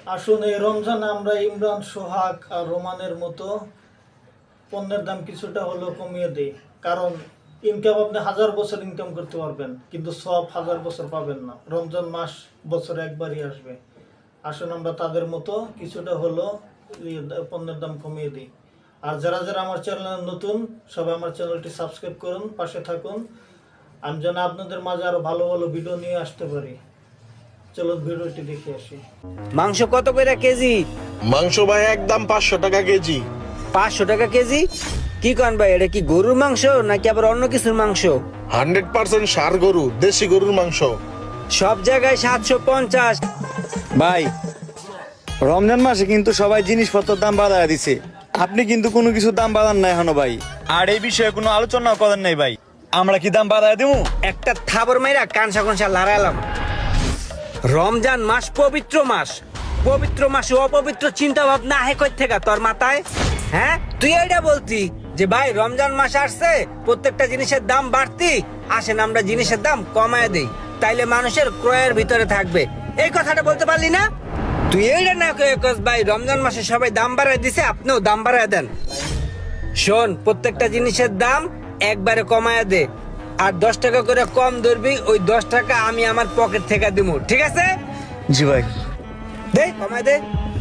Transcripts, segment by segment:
আসুন এই রমজানে আমরা ইমরান, সোহাগ আর রোমানের মতো পণ্যের দাম কিছুটা হলেও কমিয়ে দিই। কারণ ইনকাম আপনি 1000 বছর ইনকাম করতে পারবেন, কিন্তু সব 1000 বছর পাবেন না। রমজান মাস বছরে একবারই আসবে। আসুন আমরা তাদের মতো কিছুটা হলেও পণ্যের দাম কমিয়ে দিই। আর যারা যারা আমার চ্যানেলে নতুন, সবাই আমার চ্যানেলটি সাবস্ক্রাইব করুন, পাশে থাকুন। আমি যেন আপনাদের মাঝে আরো ভালো ভালো ভিডিও নিয়ে আসতে পারি। চলো ভিডিওটি দেখে আসি। মাংস কত করে কেজি? মাংস ভাই একদম 500 টাকা কেজি। 500 টাকা কেজি? কি কন ভাই, এটা কি গরুর মাংস নাকি আবার অন্য কিছুর মাংস? 100% ষাঁড় গরু, দেশি গরুর মাংস। সব জায়গায় 750। ভাই, রমজান মাসে কিন্তু সবাই জিনিসপত্রের দাম বাড়ায় দিছে, আপনি কিন্তু কোনো কিছু দাম বাড়ান না এখনো ভাই। আর এই বিষয়ে কোনো আলোচনা করেন নাই ভাই, আমরা কি দাম বাড়ায় দেবো? একটা থাবর মাইরা কানসা কানসা লড়াইলাম। রমজান মাস পবিত্র মাস, পবিত্র মাসে অপবিত্র চিন্তা ভাবনা আহে কই থেকে তোর মাথায়? হ্যাঁ, তুই এইটা বলতি যে ভাই রমজান মাস আসছে, প্রত্যেকটা জিনিসের দাম বাড়তি, আসেন আমরা জিনিসের দাম কমায় দেই, তাইলে মানুষের ক্রয়ের ভিতরে থাকবে। এই কথাটা বলতে পারলি না? তুই এইটা না কয়ে কস ভাই রমজান মাসে সবাই দাম বাড়ায় দিছে, আপনিও দাম বাড়ায় দেন। শোন, প্রত্যেকটা জিনিসের দাম একবারে কমায় দে, আর 10 টাকা করে কম ধরবি, ওই 10 টাকা আমি আমার পকেট থেকে দিব, ঠিক আছে? জি ভাই। দে কমায় দে।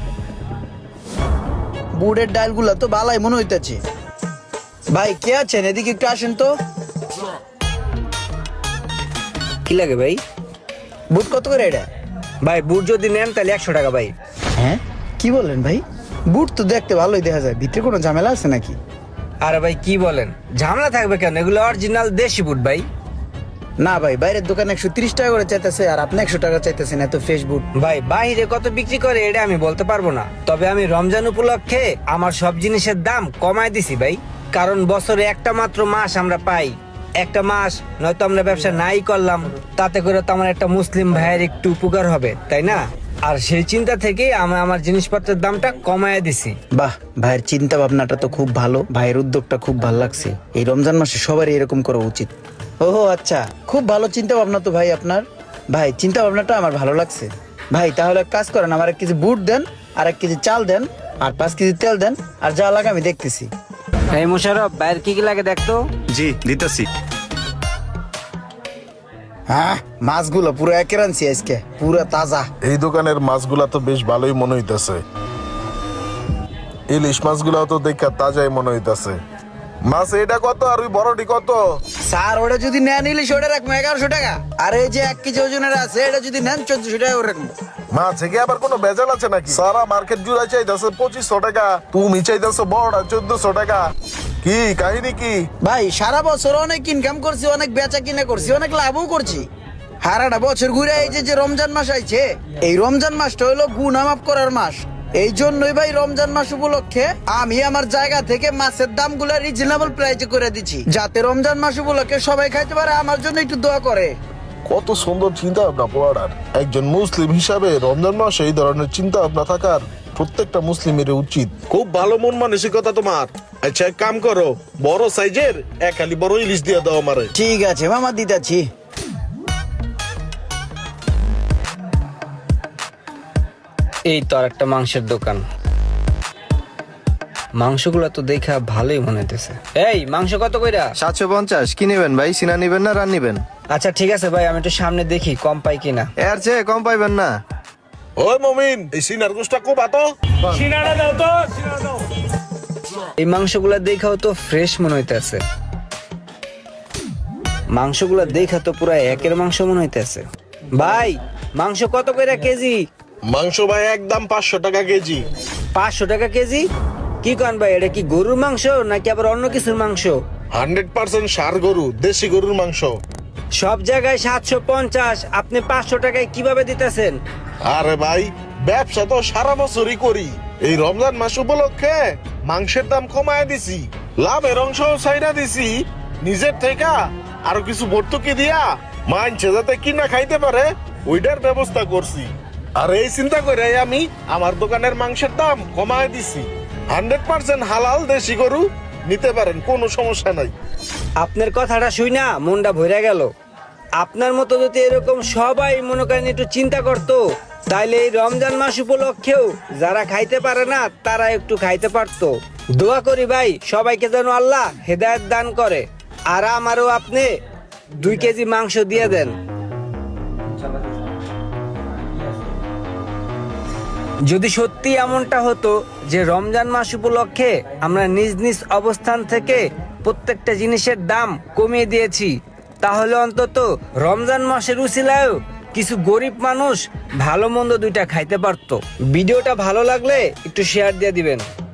বুটের ডালগুলা তো বালাই মনে হইতেছে। ভাই কে আছেন, এদিকে একটু আসেন তো। কি লাগে ভাই? বুট কত করে এটা? ভাই বুট যদি নেন তাহলে 100 টাকা ভাই। হ্যাঁ, কি বলেন ভাই? বুট তো দেখতে ভালোই দেখা যায়, ভিতরে কোনো ঝামেলা আছে নাকি? আরে ভাই কি বলেন, ঝামেলা থাকবে কেন? এগুলো অরিজিনাল দেশি বুট ভাই। না ভাই, বাইরের দোকানে 130 টাকা করে চাইতেছে, আর আপনি 100 টাকা চাইতেছেন, এত ফ্রেশ বুট। ভাই বাইরে কত বিক্রি করে এটা আমি বলতে পারবো না, তবে আমি রমজান উপলক্ষে আমার সব জিনিসের দাম কমায় দিছি ভাই। কারণ বছরে একটা মাত্র মাস আমরা পাই, একটা মাস নয়তো আমরা ব্যবসা নাই করলাম, তাতে করে তো আমার একটা মুসলিম ভাইয়ের একটু উপকার হবে, তাই না? আর সেই চিন্তা থেকেই আমি আমার জিনিসপত্রের দামটা কমায় দিছি। বাহ, ভাইয়ের চিন্তা ভাবনাটা তো খুব ভালো, ভাইয়ের উদ্যোগটা খুব ভালো লাগছে। এই রমজান মাসে সবারই এরকম করা উচিত। ওহো আচ্ছা, খুব ভালো চিন্তা ভাবনা তো ভাই আপনার। ভাই চিন্তা ভাবনাটা আমার ভালো লাগছে। ভাই তাহলে এক কাজ করেন, আমার 1 কেজি বুট দেন, আর 1 কেজি চাল দেন, আর 5 কেজি তেল দেন, আর যা লাগে আমি দেখতেছি। এই মোশারফ, বাইরে কি কি লাগে দেখতো। জি দিতেছি। হ্যাঁ, মাছগুলো পুরো একের আনছি আজকে, পুরো তাজা। এই দোকানের মাছগুলা তো বেশ ভালোই মনে হইতাছে। ইলিশ মাছগুলাও তো দেখা তাজাই মনে হইতাছে। মাছ এটা কত আর ওই বড়টি কত? স্যার ওটা যদি নেন ইলিশ, ওটা রাখবো 1100 টাকা, আর এই যে 1 কেজি ওজনের আছে এটা যদি নেন 1400 টাকা করে রাখবো। মাছে কি আবার কোনো ভেজাল আছে নাকি? সারা মার্কেট জুড়ে চাইতেছে 2500 টাকা, তুমি চাইতেছো বড়টা 1400 টাকা। কি কাহিনী কি? ভাই সারা বছর অনেক ইনকাম করছি, অনেক বেচা কিনা করছি, অনেক লাভও করছি। সারাটা বছর ঘুরে এই যে রমজান মাস আইছে, এই রমজান মাসটা হলো গুনাহ মাফ করার মাস। এই জন্যই ভাই রমজান মাস উপলক্ষে আমি আমার জায়গা থেকে মাছের দামগুলো রিজনেবল প্রাইসে করে দিচ্ছি, যাতে রমজান মাস উপলক্ষে সবাই খাইতে পারে। আমার জন্য একটু দোয়া করে। কত সুন্দর চিন্তা ভাবনা পড়ার। একজন মুসলিম হিসাবে রমজান মাসে এই ধরনের চিন্তা ভাবনা থাকার প্রত্যেকটা মুসলিমের উচিত। খুব ভালো মন মানসিকতা তোমার। আচ্ছা এক কাম করো, বড় সাইজের 1 হালি বড় ইলিশ দিয়ে দাও আমারে। ঠিক আছে মামা, দিতাছি। এই তো আর একটা মাংসের দোকান, মাংসগুলো তো দেখা ভালোই মনে হইতেছে। এই মাংস কত কইরা? 750। কি নেবেন ভাই, সিনা নিবেন না রান নিবেন? আচ্ছা ঠিক আছে ভাই, আমি একটু সামনে দেখি কম পাই কিনা। এর চেয়ে কম পাইবেন না। ওই মমিন, এই সিনার গোশটা খুব আতো। এই মাংসগুলা দেখাও তো ফ্রেশ মনে হইতেছে, মাংসগুলা দেখা তো পুরা একের মাংস মনে হইতেছে। ভাই মাংস কত কইরা কেজি? মাংস ভাই একদম 500 টাকা কেজি। 500 টাকা কেজি? কি কন ভাই, এটা কি গরুর মাংস নাকি আবার অন্য কিছুর মাংস? 100% ষাঁড় গরু, দেশি গরুর মাংস। সব জায়গায় 750, আপনি 500 টাকায় কিভাবে দিতেছেন? আরে ভাই, ব্যবসা তো সারা বছরই করি, এই রমজান মাস উপলক্ষে মাংসের দাম কমায় দিছি, লাভের অংশ ছাইড়া দিছি নিজের থেকে, আরো কিছু ভর্তুকি দিয়া মানছে যাতে কিনা খাইতে পারে ওইটার ব্যবস্থা করছি। আর এই চিন্তা করে আমি আমার দোকানের মাংসের দাম কমায় দিছি। 100% হালাল দেশি গরু নিতে পারেন, কোনো সমস্যা নাই। আপনার কথাটা শুই না মনটা ভরে গেল। আপনার মতো যদি এরকম সবাই মনে করেন একটু চিন্তা করতো, তাইলে এই রমজান মাস উপলক্ষেও যারা খাইতে পারে না তারা একটু খাইতে পারতো। দোয়া করি ভাই সবাইকে যেন আল্লাহ হেদায়েত দান করে। আর আমারও আপনি 2 কেজি মাংস দিয়ে দেন। যদি সত্যি এমনটা হতো যে রমজান মাস উপলক্ষে আমরা নিজ নিজ অবস্থান থেকে প্রত্যেকটা জিনিসের দাম কমিয়ে দিয়েছি, তাহলে অন্তত রমজান মাসের উসিলায়ও কিছু গরিব মানুষ ভালো মন্দ 2টা খাইতে পারতো। ভিডিওটা ভালো লাগলে একটু শেয়ার দিয়ে দিবেন।